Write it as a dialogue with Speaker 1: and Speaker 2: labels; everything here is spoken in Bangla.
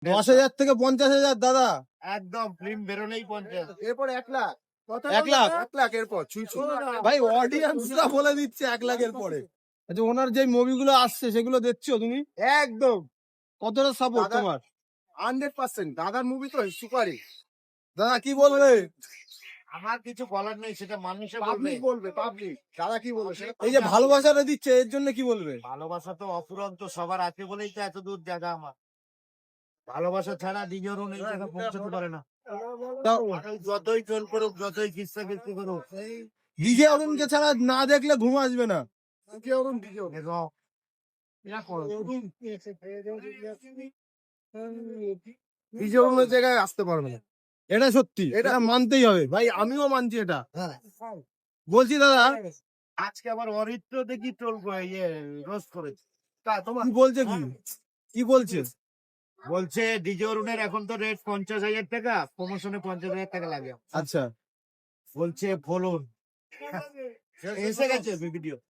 Speaker 1: 10,000 থেকে 50,000 দাদা।
Speaker 2: একদম ফিল্ম বেরোলেই 50।
Speaker 3: এরপর 1 লাখ।
Speaker 1: 1 লাখ?
Speaker 3: 1 লাখ এরপর ছুঁই
Speaker 1: ভাই অডিয়েন্সরা বলে দিচ্ছে 1 লাখের পরে। আচ্ছা ওনার যে মুভিগুলো আসছে সেগুলো দেখছো তুমি?
Speaker 3: একদম
Speaker 1: কতটা সাপোর্ট
Speaker 3: দাদা-
Speaker 1: তোমার?
Speaker 3: 100% দাদার মুভি তো সুপারই।
Speaker 1: দাদা কি বলবে?
Speaker 2: আমার কিছু বলার নেই, সেটা মানুষে বলবে।
Speaker 3: পাবলিক বলবে, পাবলিক। দাদা কি বলবে সেটা
Speaker 1: এই যে ভালোবাসাটা দিচ্ছে এর জন্য কি বলবে?
Speaker 2: ভালোবাসা তো অফুরন্ত সবার আছে বলেই তো এত দূর জায়গা আমার। ভালোবাসা ছাড়া নিজেরও এই জায়গা পৌঁছাতে পারে না।
Speaker 1: তাও
Speaker 2: যতই চল করুক, যতই কিস্তা কিস্তি করুক,
Speaker 1: ডিজে অরুণকে ছাড়া না দেখলে ঘুম আসবে না।
Speaker 2: দেখো,
Speaker 3: নিজের অন্য জায়গায় আসতে পারবে না।
Speaker 1: এটা সত্যি, এটা মানতেই হবে ভাই, আমিও মানছি এটা। বলছি দাদা
Speaker 2: আজকে আবার অরিত্র দেখি ট্রোল করে রোস্ট করেছে।
Speaker 1: কি বলছে, কি বলছে?
Speaker 2: বলছে ডিজে অরুণের এখন তো রেট 50,000 টাকা, প্রমোশনে 50,000 টাকা লাগে।
Speaker 1: আচ্ছা
Speaker 2: বলছে বলুন, এসে গেছে ভিডিও।